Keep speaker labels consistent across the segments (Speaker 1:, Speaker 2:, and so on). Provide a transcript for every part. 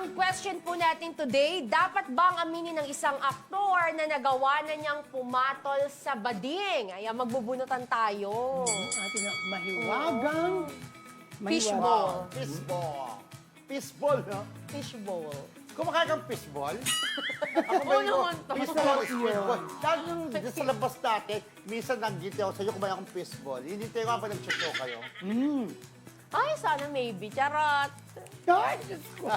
Speaker 1: Ang question po natin today, dapat bang aminin ng isang aktor na nagawa na niyang pumatol sa bading? Ayan, magbubunutan tayo.
Speaker 2: Atin na mahiwagang.
Speaker 1: Fishball.
Speaker 3: Fishball. Fishball, no?
Speaker 1: Fishbowl.
Speaker 3: Kumakain kang fishball? Ako
Speaker 1: Oo naman to.
Speaker 3: Fishball, fishball. Lalo nung sa labas natin, minsan nag-giti ako sa'yo, kumain akong fishball. Hindi tayo nga pa nag-show kayo.
Speaker 1: Ay, sana maybe. Charot.
Speaker 2: Ay, Diyos ko.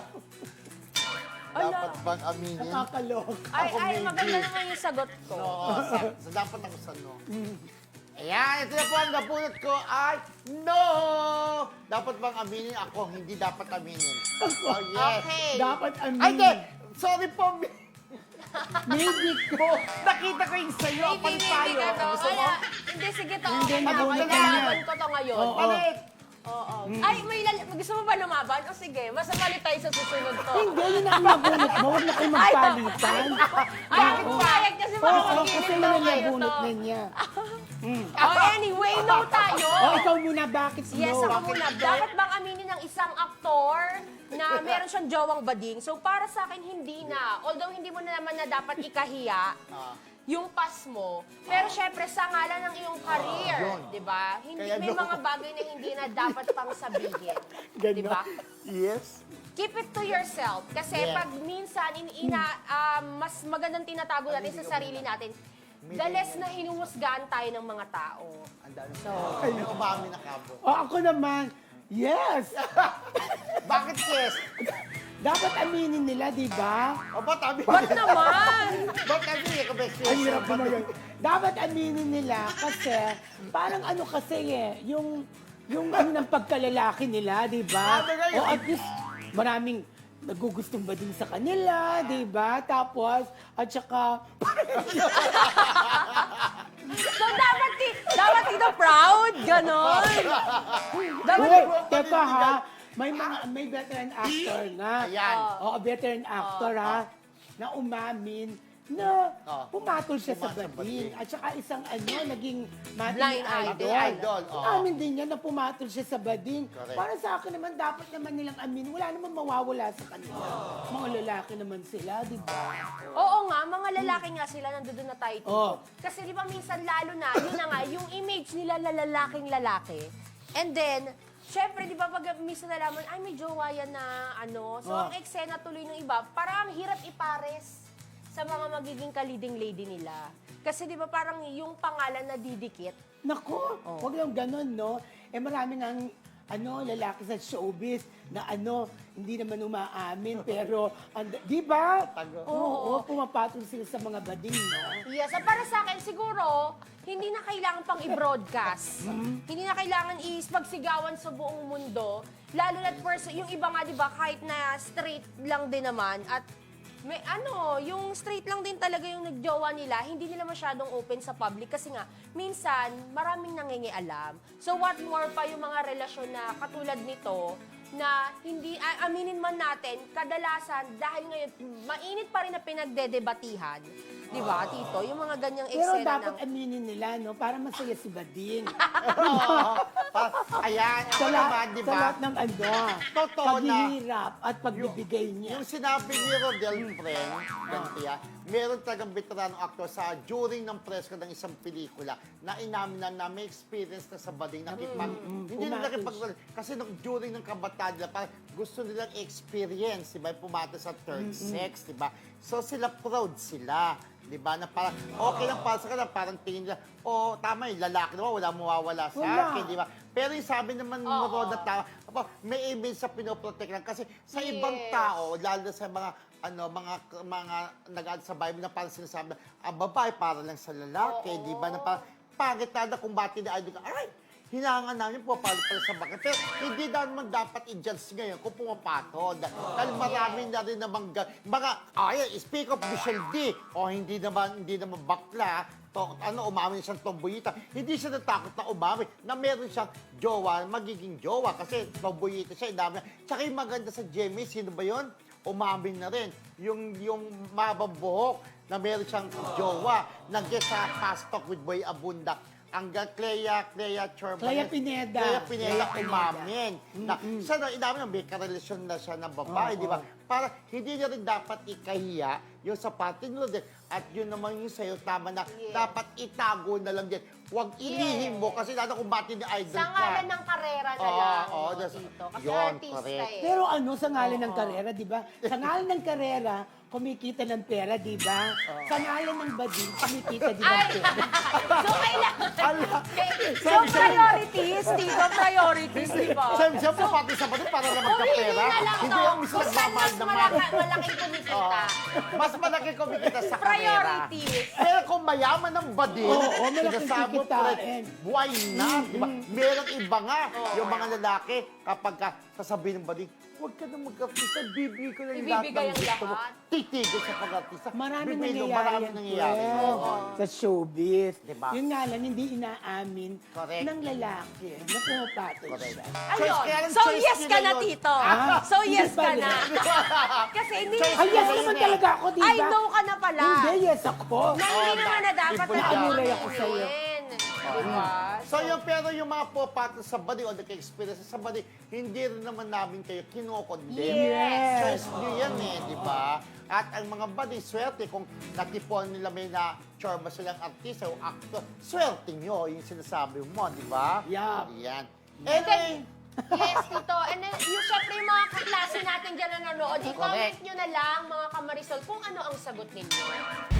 Speaker 3: Dapat bang aminin?
Speaker 2: Nakakalok.
Speaker 1: Ay,
Speaker 3: Ako
Speaker 1: ay,
Speaker 3: maybe.
Speaker 1: maganda naman yung sagot ko.
Speaker 3: Oo, sa dapat ako sa no. Ayan, ito na po ang napulot ko ay no! Dapat bang aminin ako? Hindi dapat aminin. Oh, yes.
Speaker 1: Okay.
Speaker 2: Dapat
Speaker 3: Ay,
Speaker 2: amin.
Speaker 3: hindi! Sorry po,
Speaker 2: Maybe ko.
Speaker 3: nakita ko yung sa'yo,
Speaker 1: Maybe
Speaker 3: tayo.
Speaker 1: ka to.
Speaker 3: Gusto mo?
Speaker 1: Kaya, hindi, sige to.
Speaker 2: Hindi,
Speaker 1: Okay,
Speaker 2: nabulit ka
Speaker 1: malalaman
Speaker 2: niya.
Speaker 1: ko to ngayon.
Speaker 2: Oo.
Speaker 3: Palit!
Speaker 1: Oo. Ay, gusto mo ba lumaban? O sige, mas malit tayo sa susunod to.
Speaker 2: Hindi, yun ang nabunot mo. Huwag na kayo magpalitan.
Speaker 1: Bakit sayang kasi
Speaker 2: Oo,
Speaker 1: makakagilid
Speaker 2: kasi
Speaker 1: daw
Speaker 2: yun ang
Speaker 1: kayo
Speaker 2: nabunot
Speaker 1: to.
Speaker 2: na niya.
Speaker 1: Oh, anyway, no tayo.
Speaker 2: Ikaw muna, bakit
Speaker 1: Yes,
Speaker 2: no?
Speaker 1: ako muna. Dapat bang aminin ng isang aktor na meron siyang jowang bading? So, para sa akin, hindi na. Although, hindi mo na naman na dapat ikahiya yung pass mo. Pero syempre, sa ngalan ng iyong career,
Speaker 3: yun.
Speaker 1: di ba? Hindi,
Speaker 3: Kaya
Speaker 1: may
Speaker 3: no.
Speaker 1: mga bagay na hindi na dapat pang sabihin.
Speaker 2: Ganon.
Speaker 1: Di ba?
Speaker 3: Yes.
Speaker 1: Keep it to yourself. Kasi
Speaker 3: Yeah.
Speaker 1: pag minsan, mas magandang tinatago natin sa sarili natin, the less na hinuhusgahan tayo ng mga tao.
Speaker 3: Ang dami. So, may umami na kabo.
Speaker 2: Ako naman, yes.
Speaker 3: Bakit yes?
Speaker 2: Dapat aminin nila, di ba?
Speaker 3: O, ba't aminin?
Speaker 1: Ba't naman?
Speaker 3: Ba't aminin? Kung may
Speaker 2: Ang hirap ko ngayon. Dapat aminin nila kasi parang ano kasi yung ano ng pagkalalaki nila, di ba?
Speaker 3: Sabi nga yun.
Speaker 2: O at least maraming nagugustong ba din sa kanila, di ba? Tapos, at saka,
Speaker 1: So, dapat dito proud? Ganon? Dapat,
Speaker 2: uy, teka ha, may veteran actor na.
Speaker 3: Ayan.
Speaker 2: Oo, veteran actor ha, na umamin na pumatol siya sa
Speaker 3: Pumatol sa
Speaker 2: bading.
Speaker 3: bading.
Speaker 2: At saka isang naging
Speaker 1: Blind
Speaker 2: idol.
Speaker 3: idol, oo.
Speaker 2: Amin din niya na pumatol siya sa bading.
Speaker 3: Correct.
Speaker 2: Para sa akin naman, dapat naman nilang amin. Wala naman mawawala sa kanila. Mga lalaki naman sila, di ba?
Speaker 1: oo nga, mga lalaki nga sila, nandoon na tayo dito.
Speaker 2: Oo.
Speaker 1: Kasi di ba minsan lalo na, yun na nga, yung image nila lalaking lalaki. And then, syempre, di ba pag minsan nalaman, ay may jowa yan na ano. So, ang eksena tuloy ng iba, parang ang hirap ipares sa mga magiging ka-leading lady nila. Kasi di ba parang yung pangalan na didikit.
Speaker 2: Nako, huwag lang ganun, no? Maraming ang lalaki sa showbiz na hindi naman umaamin, pero, di ba?
Speaker 3: Tago.
Speaker 2: Oo, pumapatol sila sa mga bading, no?
Speaker 1: Yes, para sa akin siguro, hindi na kailangan pang i-broadcast. Hindi na kailangan pagsigawan sa buong mundo. Lalo na't yung iba nga, di ba, kahit na straight lang din naman, at may yung straight lang din talaga yung nagjowa nila, hindi nila masyadong open sa public kasi nga, minsan, maraming nangingialam. So what more pa yung mga relasyon na katulad nito, na hindi, aminin man natin, kadalasan, dahil ngayon, mainit pa rin na pinagdedebatihan. Di ba, Tito? Yung mga ganyang
Speaker 2: Pero
Speaker 1: eksena
Speaker 2: dapat aminin nila, no? Para masaya si Bading.
Speaker 3: Ayan, ako
Speaker 2: sa,
Speaker 3: naman, di
Speaker 2: sa
Speaker 3: ba?
Speaker 2: lahat ng
Speaker 3: Totoo na.
Speaker 2: paghihirap at pagbibigay niya.
Speaker 3: Yung sinabi ni Rodel Friend, Gantia, meron talagang veteranong actor sa during ng presko ng isang pelikula na inamin na may experience na sa bading hindi na nakipag kasi during ng kabataan nila, parang gusto nilang experience, di ba? Pumata sa third sex, di ba? So sila proud sila. Di ba? Na parang, okay lang para sa kanila, parang tingin nila, tama yung lalaki naman, wala mawawala sa akin, di ba? Pero yung sabi naman mo ro na tao, may image sa pinoprotect lang. Kasi sa ibang tao, lalo na sa mga, mga nag-add sa Bible na parang sinasabi na, ang babae para lang sa lalaki, di ba? Na parang, pangit na kung bati na idol ka, aray, hinangan namin po para sa bakit. Pero hindi naman dapat i-judge ngayon kung pumapatol. Dahil marami na rin namang speak of Michelle D. Hindi naman bakla. Umamin siyang tomboyita. Hindi siya natakot na umamin na meron siyang jowa, magiging jowa. Kasi tomboyita siya, dami. Tsaka yung maganda sa Jamie, sino ba yun? Umamin na rin. Yung mabang buhok na meron siyang jowa. Nag-guest sa Fast Talk with Boy Abunda. hanggang Clea Chorba.
Speaker 2: Clea Pineda.
Speaker 3: Clea Pineda
Speaker 2: Clea Pineda.
Speaker 3: umamin. Na, sana, inamin na may karelasyon na siya ng babae,
Speaker 2: Oo.
Speaker 3: di ba? Para hindi niya rin dapat ikahiya yung sa patinlo din. At yun naman yung sa'yo, tama na, dapat itago na lang din. Huwag ilihim mo kasi lalo kung bati ni idol
Speaker 1: Sa
Speaker 3: ka.
Speaker 1: ngalan ng karera na
Speaker 3: Oo,
Speaker 1: lang,
Speaker 3: oo,
Speaker 1: no,
Speaker 3: that's-
Speaker 1: Tito. Kasi
Speaker 3: yun,
Speaker 1: artista
Speaker 3: correct.
Speaker 1: eh.
Speaker 2: Pero ano, sa ngalan ng karera, di ba? Sa ngalan ng karera, kumikita ng pera, di ba? Sa ngalan ng bading, kumikita din ng
Speaker 1: Ay!
Speaker 2: pera.
Speaker 1: So, kailangan...
Speaker 3: Ala.
Speaker 1: So, priorities, Tito, priorities, di ba?
Speaker 3: Siyempre, pati sa bading para na
Speaker 1: Kung
Speaker 3: magkapera.
Speaker 1: hindi na lang
Speaker 3: Hindi
Speaker 1: to,
Speaker 3: yung mismo
Speaker 1: kung saan
Speaker 3: nagmamahal
Speaker 1: mas
Speaker 3: naman.
Speaker 1: malaking kumikita.
Speaker 3: Mas malaki kumikita sa karera.
Speaker 1: Priorities.
Speaker 3: Pero kung mayaman ng bading,
Speaker 2: Oo, malaking
Speaker 3: sinasabi mo,
Speaker 2: kikitain.
Speaker 3: Fred, buhay na, di ba? Merong iba nga, yung mga lalaki, kapag sasabihin ng bading, huwag ka na mag-artista, bibigay ko na yung lahat
Speaker 1: Ibibigay
Speaker 3: ng
Speaker 1: ang
Speaker 3: gusto mo.
Speaker 1: lahat.
Speaker 3: Titigil sa pag-artista.
Speaker 2: Maraming
Speaker 3: Bibigay mo,
Speaker 2: nangyayari
Speaker 3: maraming
Speaker 2: yan,
Speaker 3: nangyayari.
Speaker 2: Fred,
Speaker 3: Oo.
Speaker 2: sa showbiz.
Speaker 3: Diba?
Speaker 2: Yun nga lang, hindi inaamin
Speaker 3: Correct.
Speaker 2: ng lalaki na pumapatol
Speaker 3: Correct.
Speaker 2: siya.
Speaker 1: Ayun.
Speaker 3: kaya lang
Speaker 1: So,
Speaker 3: choice
Speaker 1: yes
Speaker 3: nila
Speaker 1: ka na,
Speaker 3: yun.
Speaker 1: Tito.
Speaker 2: Ah,
Speaker 1: So, yes
Speaker 2: hindi
Speaker 1: ka
Speaker 2: pala.
Speaker 1: na. Kasi hindi...
Speaker 3: Choice
Speaker 2: Ay, yes
Speaker 3: nila
Speaker 2: naman
Speaker 3: yun eh.
Speaker 2: talaga ako, di ba?
Speaker 1: I know ka na pala.
Speaker 2: Hindi, yes ako.
Speaker 1: Na hindi naman na dapat
Speaker 3: Ipon
Speaker 1: na
Speaker 3: lang.
Speaker 2: Naanulay ako sa'yo.
Speaker 1: Diba?
Speaker 3: So yung pero yung mga pupatol sa body o nagka-experience sa body, hindi rin naman namin kayo kinokondem.
Speaker 1: Yes.
Speaker 3: Choice nyo yan eh, di ba? At ang mga body, swerte kung natipon nila may na chorba silang artista o actor, swerte nyo yung sinasabi mo, di ba?
Speaker 2: Yeah.
Speaker 3: Yan.
Speaker 1: And
Speaker 3: Anyway,
Speaker 1: Yes, Tito. And then, yung syempre yung mga kaklase natin dyan na nanonood, i-comment
Speaker 3: Correct.
Speaker 1: nyo na lang, mga kamarisol, kung ano ang sagot ninyo.